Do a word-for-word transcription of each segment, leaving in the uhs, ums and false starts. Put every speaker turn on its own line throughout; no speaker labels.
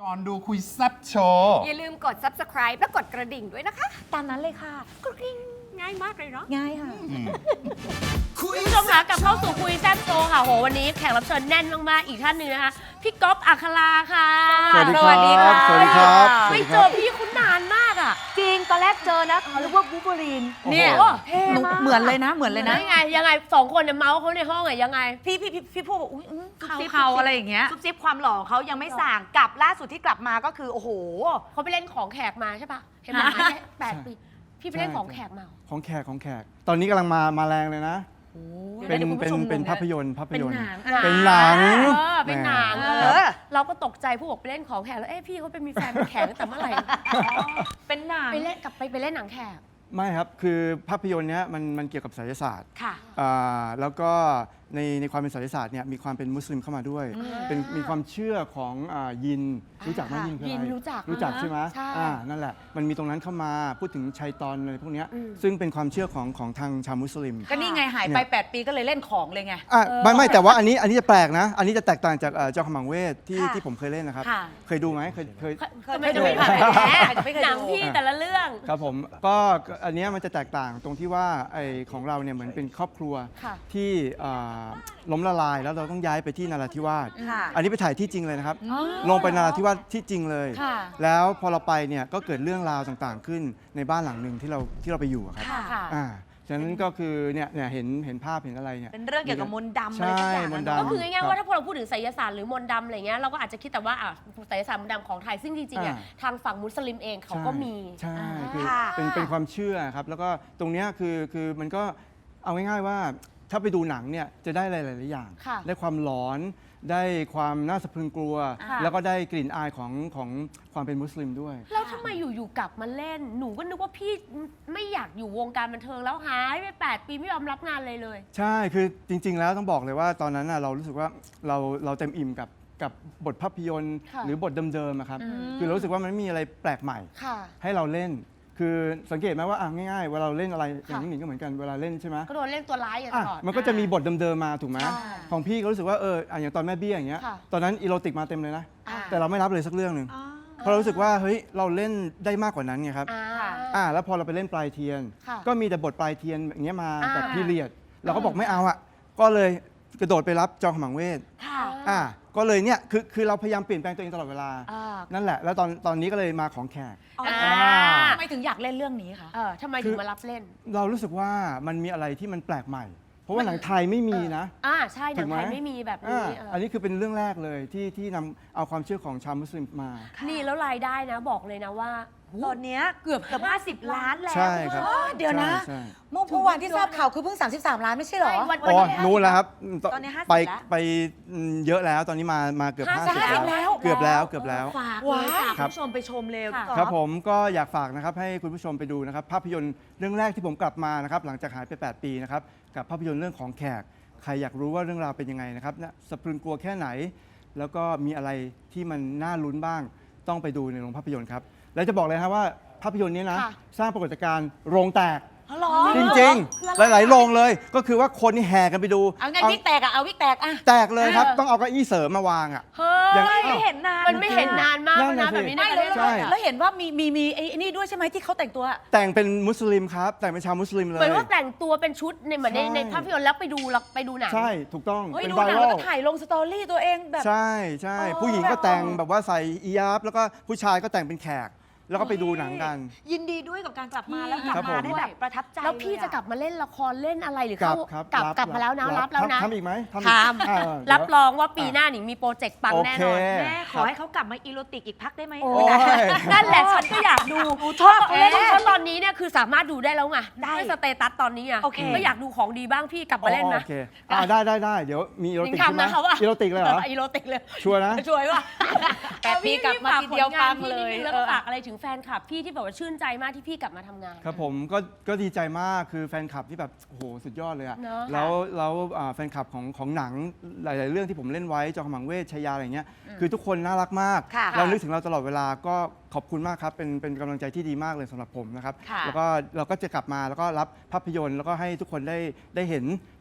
ก่อนดูคุยแซ่บโชว์
อย่าลืมกด ซับสไครบ์ และกดกระดิ่งด้วยนะคะ
ตามนั้นเลยค่ะ
กระดิ่งง่ายมากเลยเนาะ
ง่ายค่ะ
คุณผู้ชมคะกลับเข้าสู่คุยแซ่บโชว์ค่ะโหวันนี้แขกรับเชิญแน่นมากๆอีกท่านหนึ่งนะคะพี่ก๊อฟอัคราค่ะ
สวัสดีครับ
ส
ส
วั
วั
ส
ส
ดี
ดี
ค
ค
รั
รับ บ
ไม่เจอพี่คุณนานมากอ่ะ
จริง ตอนแรกเจอนะนึกว่าบูเบอรีน
เนี่ย
โอ้เท่มากเหมือนเลยนะ เหมือนเลย
แล้
นะ
วยังไงยังไงสองคนเนี่ยเมาส์เขาในห้องอะยังไง
พี่พี่พี่พี่พูดบอกอุ้ยอื้อ
ซุบซิบ
เขาๆอะไรอย่างเงี้ย
ซุบซิบความหล่อเขายังไม่สั่งกลับล่าสุดที่กลับมาก็คือ โอ้โห
เขาไปเล่นของแขกมาใช่ปะเห็นไหมหายไปแปดปีพี่ไปเล่นของแขกมาเหรอ
ของแขกของแขก ตอนนี้กำลังมามาแรงเลยนะ เป็น
ดี๋ยว
เป็น
คุณผู้ชม
เป็น
งงะ
ภาพยนตร์ภาพยนตร์
เป็นหนัง
เป็นหนัง
เออเป็นหนัง
แหม
เอ
ครับ
อเราก็ตกใจผู้บอกไปเล่นของแขกแล้วเอ๊ะพี่เขาไปมีแฟนเป็นแขกตั้งแต่เมื่อไหร่
เป็นหนัง
ไปเล่นกลับไปไปเล่นหนังแขก
ไม่ครับ คือภาพยนตร์เนี้ยมันมันเกี่ยวกับไสยศาสตร์
ค่ะ
อ่าแล้วก็ในในความเป็นไสยศาสตร์เนี่ยมีความเป็นมุสลิมเข้ามาด้วย เป็นมีความเชื่อของอ่ายิน รู้จักไหมยินคืออะไร
ยินรู้จัก
รู้จัก
อ่าฮะ
ใช่ไหม
ใช่
อ่านั่นแหละ มันมีตรงนั้นเข้ามาพูดถึงชัยตอนอะไรพวกเนี้ย
อืม
ซึ่งเป็นความเชื่อของของทางชาวมุสลิม
ก็นี่ไงหายไป แปด ปีก็เลยเล่นของเลยไง
อ่ะไม่ไม่แต่ว่าอันนี้อันนี้จะแปลกนะ อันนี้จะแตกต่างจากเอ่อเจ้าขมังเวทที่
ค่ะ
ที่ผมเคยเล่นนะครับ
ค่ะ
เคยดูไหมเคยเคย
ก็ไม่ได้ไป
เคยดู
ถ่าย
เคยดูไม่เคยดู
หนังพี่แต่ละเรื่อง
ครับผมก็อันเนี้ยมันจะแตกต่างตรงที่ว่าไอของเราเนี่ยเหมือนเป็นครอบครัว
ค่ะ
ที่อ่าล้มละลายแล้วเราต้องย้ายไปที่นราธิวาส
ค่ะ
อันนี้ไปถ่ายที่จริงเลยนะครับ ลงไปนราธิวาสที่จริงเลย
ค่ะ
แล้วพอเราไปเนี่ยก็เกิดเรื่องราวต่างๆ ขึ้นในบ้านหลังหนึ่งที่เราที่เราไปอยู่อะครับ
ค่ะ
ค่ะ
อ่าฉะนั้นก็คือเนี่ยเนี่ยเห็นเห็นภาพเห็นอะไรเนี่ย
เป็นเรื่องเกี่ยวกับมนต์ดำอะไร
ใช่
ทุกอย่าง
มนต์
อะ
ดำ
ก็คือง่ายๆว่า
ครั
ถ้า
บ
พวกเราพูดถึงไสยศาสตร์หรือมนต์ดำอะไรเงี้ยเราก็อาจจะคิดแต่ว่าอ่ะไสยศาสตร์มนต์ดำของไทยซึ่งจริงๆอ่ะ
อ่า
ทางฝั่งมุสลิมเองเขาก็มี
ใช่
อ่า
คือ
ค่ะ
เป็นเป็นความเชื่อครับ แล้วก็ตรงเนี้ยคือคือมันก็เอาง่ายๆว่าถ้าไปดูหนังเนี่ยจะได้หลายๆอย่าง
ค่ะ
ได้ความหลอน ได้ความน่าสะพรึงกลัว
ค่ะ
แล้วก็ได้กลิ่นอายของของความเป็นมุสลิมด้วย
แล้วทำไมอยู่ๆกลับมาเล่น หนูก็นึกว่าพี่ไม่อยากอยู่วงการบันเทิงแล้วหายไปแปดปีไม่ยอมรับงานเลยเลย
ใช่คือจริง ๆ แล้วต้องบอกเลยว่าตอนนั้นน่ะเรารู้สึกว่าเราเราเต็มอิ่มกับกับบทภาพยนตร์
ค่ะ
หรือบทเดิมๆอะครับคือเรารู้สึกว่ามันไม่มีอะไรแปลกใหม่
ค่ะ
ให้เราเล่น คือสังเกตไหมว่าอ่ะง่ายๆเวลาเราเล่นอะไรอย่าง
ค่ะ
น้องหนิงก็เหมือนกันเวลาเล่นใช่ไหม
ก็โดนเล่นตัวร้ายอย่างต
อ่ะ
ลอด
มันก็จะมีบทเดิมๆมาถูกไหม
ใช่
ของพี่ก็รู้สึกว่าเอออ่ะอย่างตอนแม่เบี้ยอย่างเงี้ย
ค่ะ
ตอนนั้นอีโรติกมาเต็มเลยนะ
อ่า
แต่เราไม่รับเลยสักเรื่องหนึ่งเพราะเรารู้สึกว่าเฮ้ยเราเล่นได้มากกว่านั้นไงครับ
อ่า
อ่าแล้วพอเราไปเล่นปลายเทียน
ค่ะ
ก็มีแต่บทปลายเทียนอย่างเงี้ยมา
อ่า
แบบพีเรียด เราก็บอกไม่เอาอ่ะก็เลยกระโดดไปรับจอมขมังเวท
ค่ะ
อ่าก็เลยเนี่ยคือคือเราพยายามเปลี่ยนแปลงตัวเองตลอดเวลา
อ่า
นั่นแหละ แล้วตอนตอนนี้ก็เลยมาของแขก
อ่า
ทำไมถึงอยากเล่นเรื่องนี้คะ
เออทำไมถึงมารับเล่น
เรารู้สึกว่ามันมีอะไรที่มันแปลกใหม่ เพราะว่าหนังไทยไม่มีนะ
อ่าใช่หนั
ถู
ง
กไหม
ไทยไม่มีแบบ
อ่า
นี้เอออ
อันนี้คือเป็นเรื่องแรกเลยที่ที่นำเอาความเชื่อของชาวมุสลิมมา
นี่แล้วรายได้นะบอกเลยนะว่า
ตอนเนี้ยเกือบเกือบห้าสิบล้านแล้ว
ใช่ครับ
เดี๋ยวนะ
ใช่ใช่
เมื่อเมื่อวานที่ทราบข่าวคือเพิ่ง สามสิบสาม ล้านไม่ใช่เหรอ
ใช่วัน
อ๋อนู้นแล้วครับ
ตอนนี้ห้าสิบ
ไป
แล้ว
ไปเยอะแล้วตอนนี้มามาเกือบ
ห้า
ห้า
สิ
สิ
บบ
แล้ว
เกือบแล้วเกือบแล้ว
ฝากเลยฝาก
ครั
คุ
บ
ณผู้ชมไปชมเร็ว
ค่ะ
พี่ก๊อฟ
ครับผมก็อยากฝากนะครับให้คุณผู้ชมไปดูนะครับภาพยนตร์เรื่องแรกที่ผมกลับมานะครับหลังจากหายไป แปด ปีนะครับกับภาพยนตร์เรื่องของแขกใครอยากรู้ว่าเรื่องราวเป็นยังไงนะครับนะสะพรึงกลัวแค่ไหน แล้วก็มีอะไรที่มันน่าลุ้นบ้างต้องไปดูในโรงภาพยนตร์ครับและจะบอกเลยนะครับว่าภาพยนตร์นี้นะ
ค่ะ
สร้างปรากฏการณ์โรงแตก
อ๋อเหรอ
จริงๆ หลายๆโรงเลย ก็คือว่าคนนี่แห่กันไปดู
เอาไงวิกแตกอะเอาวิกแตกอะ
แตกเลยครับ
เออ
ต้องเอาเก้าอี้เสริมมาวางอ่ะ
เฮ้
อย่าง
ย
ไม่เห็นนาน
มันไม่เห็นนานมาก
นั่
แล้ว
น
นะ
น่ะ
แบบนี้
สิ
ในประเทศ
ใช่
ไทยอะ
แล้วเห็นว่ามีมีมีไอ้นี่ด้วยใช่ไหมที่เขาแต่งตัว
แต่งเป็นมุสลิมครับ แต่งเป็นชาวมุสลิมเล
เหมือน
ย
ว่าแต่งตัวเป็นชุดในเหมือนใน
ใช่
ในภาพยนตร์แล้วไปดูแล้วไปดูหนัง
ใช่ถูกต้อง
เฮ้ย
เป็น
ดู
ไว
หนัง
รั
แล้ว
ล
ก็ถ่ายลงสตอรี่ตัวเองแบบ
ใช่ใช่
อ๋อ
ผู้หญิงก็แต่งแบบว่าใส่อียาบแล้วก็ผู้ชายก็แต่งเป็นแขก แล้วก็ไปดูหนังกัน
ยินดีด้วยกับการกลับมาแล้วกลับ
ครับผม
มาได้แบบประทับใจ
แล้วพี่
เยอ
จะกลับมาเล่นละครเล่นอะไรหรือก
ลั
เข้า
บครับ
กลับกลับมาแล้วนะรับแล้วนะ
ทำทำอีกไหมทำอีก
ท
อ่า
ำ
เดี๋ยว
รับรองว่าปีหน้าหนิงมีโปรเจกต์ปังแน่นอน
โอเค
แม่ขอให้เขากลับมาอีโรติกอีกพักได้ไหม
โอ้
โอ้ย
นั่นแหละฉันก็อยากดู
ชอบ
เพราะเพราะตอนนี้เนี่ยคือสามารถดูได้แล้วไง
ได้
ด้วยสเตตัสตอนนี้อ่ะ
โอเค
ก็อยากดูของดีบ้างพี่กลับมาเล่นนะ
โอเคอ่าได้ได้ได้เดี๋ยวมีอีโร
หนิ
ติ
ง
กใช่ไหม
ทำนะคะว่า
อีโรติกเลยเหรอ
อีโรติกเลย
ชัวร์นะ
ช่วยว่ะ
แปดปีกลับมาทีเดียวปังเลย
แล้วก็ฝากอะไรถึงแฟนคลับพี่ที่แบบว่าชื่นใจมากที่พี่กลับมาทำงาน
ครับผมก็ก็ดีใจมากคือแฟนคลับที่แบบโอ้โหสุดยอดเลยอะ
เนอะ
แล้วแล้วอ่าแฟนคลับของของหนังหลาย ๆ เรื่องที่ผมเล่นไว้จอมขมังเวชชายาอะไรเงี้ยคือทุกคนน่ารักมาก
ค่ะ
เรานึกถึงเราตลอดเวลาก็ขอบคุณมากครับเป็นเป็นกำลังใจที่ดีมากเลยสำหรับผมนะครับ
ค่ะ
แล้วก็เราก็จะกลับมาแล้วก็รับภาพยนตร์แล้วก็ให้ทุกคนได้ได้เห็น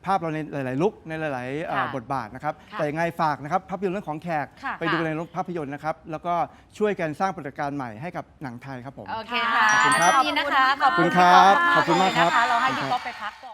ภาพเราในหลาย ๆ ลุคในหลายๆเอ่อ
ค่ะ
บทบาทนะครับ
ค่ะ
แต่ยังไงฝากนะครับภาพยนตร์เรื่องของแขก
ค่ะ
ไปดูในโรงภาพยนตร์นะครับแล้วก็ช่วยกันสร้างปรากฏการณ์ใหม่ให้กับหนังไทยครับผม
โอเคค่ะ
ขอบคุณครับ
ขอบคุณนะคะ
ขอบคุณครับขอบคุณมากครับ
นะคะเราให้พี่ก๊อฟไปพักก่อน